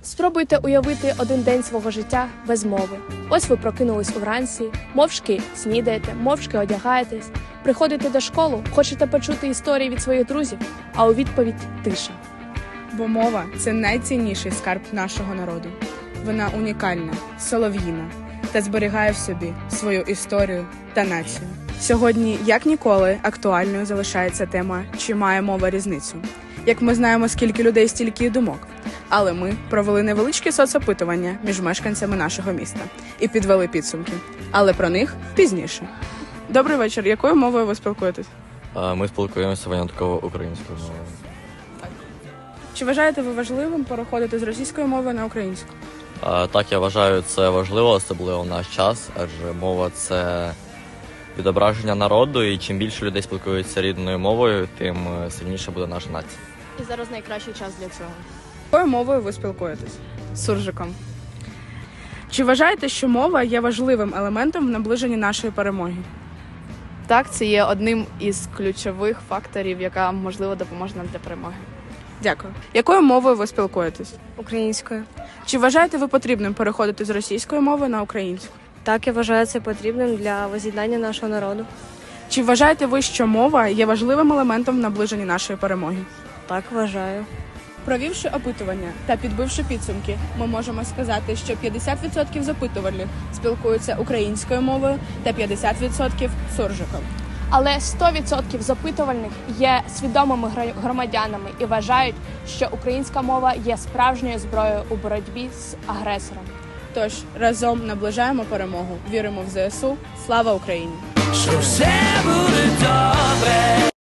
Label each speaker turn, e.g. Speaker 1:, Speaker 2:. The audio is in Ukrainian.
Speaker 1: Спробуйте уявити один день свого життя без мови. Ось ви прокинулись уранці, мовчки снідаєте, мовчки одягаєтесь, приходите до школи, хочете почути історії від своїх друзів, а у відповідь – тиша.
Speaker 2: Бо мова – це найцінніший скарб нашого народу. Вона унікальна, солов'їна та зберігає в собі свою історію та націю. Сьогодні, як ніколи, актуальною залишається тема «Чи має мова різницю?». Як ми знаємо, скільки людей, стільки й думок. Але ми провели невеличке соцопитування між мешканцями нашого міста і підвели підсумки. Але про них пізніше. Добрий вечір. Якою мовою ви спілкуєтесь?
Speaker 3: Ми спілкуємося винятково українською мовою.
Speaker 2: Чи вважаєте ви важливим переходити з російської мови на українську?
Speaker 3: Так, я вважаю, це важливо, особливо в наш час, адже мова – це відображення народу, і чим більше людей спілкуються рідною мовою, тим сильніша буде наша нація.
Speaker 1: І зараз найкращий час для цього.
Speaker 2: Якою мовою ви спілкуєтесь? Суржиком. Чи вважаєте, що мова є важливим елементом в наближенні нашої перемоги?
Speaker 4: Так, це є одним із ключових факторів, яка, можливо, допоможе нам для перемоги.
Speaker 2: Дякую. Якою мовою ви спілкуєтесь?
Speaker 5: Українською.
Speaker 2: Чи вважаєте ви потрібним переходити з російської мови на українську?
Speaker 5: Так, я вважаю це потрібним для воз'єднання нашого народу.
Speaker 2: Чи вважаєте ви, що мова є важливим елементом в наближенні нашої перемоги?
Speaker 5: Так, вважаю.
Speaker 2: Провівши опитування та підбивши підсумки, ми можемо сказати, що 50% запитувальних спілкуються українською мовою та 50% суржиком.
Speaker 1: Але 100% запитувальних є свідомими громадянами і вважають, що українська мова є справжньою зброєю у боротьбі з агресором.
Speaker 2: Тож, разом наближаємо перемогу, віримо в ЗСУ. Слава Україні!
Speaker 6: Що все буде добре.